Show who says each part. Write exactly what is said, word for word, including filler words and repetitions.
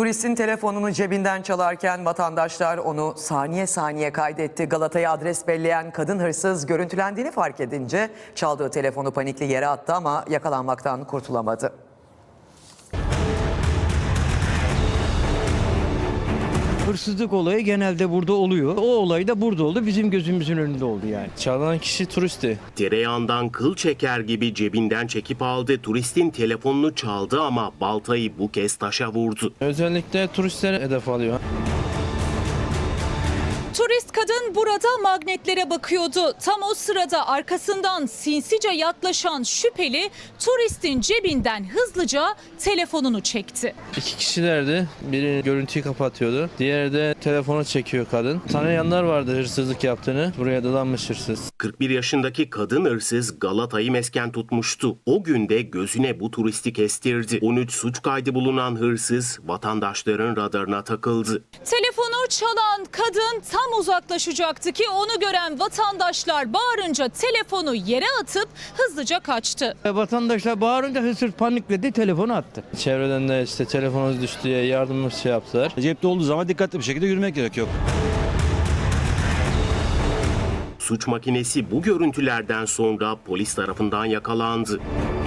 Speaker 1: Turistin telefonunu cebinden çalarken vatandaşlar onu saniye saniye kaydetti. Galata'ya adres belleyen kadın hırsız görüntülendiğini fark edince çaldığı telefonu panikli yere attı ama yakalanmaktan kurtulamadı.
Speaker 2: Hırsızlık olayı genelde burada oluyor. O olay da burada oldu. Bizim gözümüzün önünde oldu yani.
Speaker 3: Çalan kişi turisti.
Speaker 4: Tereyağından kıl çeker gibi cebinden çekip aldı. Turistin telefonunu çaldı ama baltayı bu kez taşa vurdu.
Speaker 3: Özellikle turistler hedef alıyor.
Speaker 5: Turist kadın burada magnetlere bakıyordu. Tam o sırada arkasından sinsice yaklaşan şüpheli turistin cebinden hızlıca telefonunu çekti.
Speaker 3: İki kişilerdi. Biri görüntüyü kapatıyordu. Diğeri de telefonu çekiyor kadın. Tanıyanlar vardı hırsızlık yaptığını. Buraya dadanmış hırsız.
Speaker 4: kırk bir yaşındaki kadın hırsız Galata'yı mesken tutmuştu. O gün de gözüne bu turisti kestirdi. on üç suç kaydı bulunan hırsız vatandaşların radarına takıldı.
Speaker 5: Telefonu çalan kadın tam uzaklaşacaktı ki onu gören vatandaşlar bağırınca telefonu yere atıp hızlıca kaçtı.
Speaker 2: Vatandaşlar bağırınca hırsız panikledi, telefonu attı.
Speaker 3: Çevreden de işte telefonunuz düştü diye yardım şey yaptılar.
Speaker 6: Cepte olduğu zaman dikkatli bir şekilde yürümek gerekiyor.
Speaker 4: Suç makinesi bu görüntülerden sonra polis tarafından yakalandı.